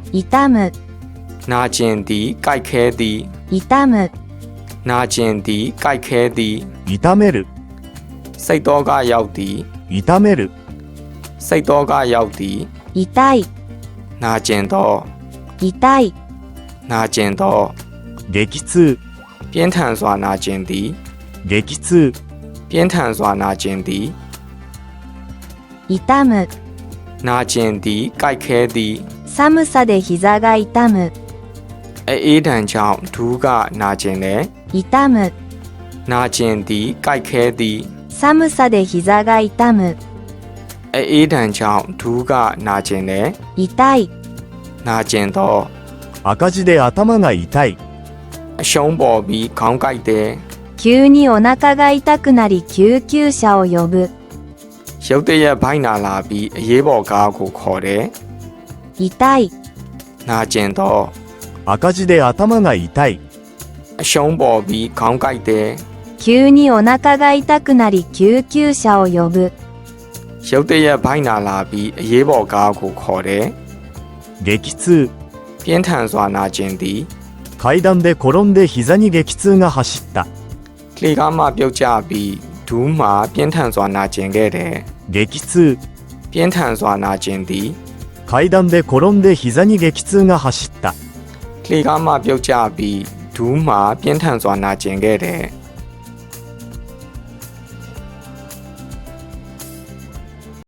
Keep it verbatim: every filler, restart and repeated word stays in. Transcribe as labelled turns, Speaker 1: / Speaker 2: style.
Speaker 1: 痛む
Speaker 2: နာကျင်သည်ကြိုက်ခဲသည်
Speaker 1: 痛む
Speaker 2: နာကျင်သည်ကြိုက်ခဲသည်
Speaker 3: 痛める
Speaker 2: စိတ်တော်ကရောက်သည်
Speaker 3: 痛める
Speaker 2: စိတ်တော်ကရောက်သည်
Speaker 1: 痛い
Speaker 2: နာကျင်သော
Speaker 1: 痛い
Speaker 2: နာကျင်သော
Speaker 3: 激痛
Speaker 2: ပြင်းထန်စွာနာကျင်သည်
Speaker 3: 激痛
Speaker 2: ပြင်းထန်စွာနာကျင်သည်
Speaker 1: 痛む
Speaker 2: နာကျင်သည်ကြိုက်ခဲသည်
Speaker 1: 寒さで膝が痛む
Speaker 2: အေးဒဏ်ကြောင့်ဒူးကနာကျင်တယ်
Speaker 1: 痛む
Speaker 2: နာကျင်သည်ကြိုက်ခဲသည်
Speaker 1: 寒さで膝が痛む
Speaker 2: အေးဒဏ်ကြောင့်ဒူးကနာကျင်တယ်
Speaker 1: 痛い
Speaker 2: နာကျင်သော
Speaker 3: 赤字で頭が痛い
Speaker 2: အရှုံးပေါ်ပြီးခေါင်းကိုက်တယ်
Speaker 1: 急にお腹が痛くなり救急車を呼ぶ
Speaker 2: ရုတ်တရက်ဘိုက်နာလာပြီးအရေးပေါ်ကားကိုခေါ်တယ်
Speaker 1: 痛い
Speaker 2: နာကျင်သော
Speaker 3: 赤字で頭が痛い
Speaker 2: အရှုံးပေါ်ပြီးခေါင်းကိုက်တယ်
Speaker 1: 急にお腹が痛くなり救急車を呼ぶ
Speaker 2: ရုတ်တရက်ဘိုက်နာလာပြီးအရေးပေါ်ကားကိုခေါ်တယ်
Speaker 3: 激痛
Speaker 2: ပြင်းထန်စွာနာကျင်သည်
Speaker 3: 階段で転んで膝に激痛が走った
Speaker 2: လှေကားမှပြုတ်ကျပြီးဒူးမှပြင်းထန်စွာနာကျင်ခဲ့တယ်
Speaker 3: 激痛
Speaker 2: ပြင်းထန်စွာနာကျင်သည်
Speaker 3: 階段で転んで膝に激痛が走った
Speaker 2: လှေကားမှပြုတ်ကျပြီးဒူးမှပြင်းထန်စွာနာကျင်ခဲ့တယ်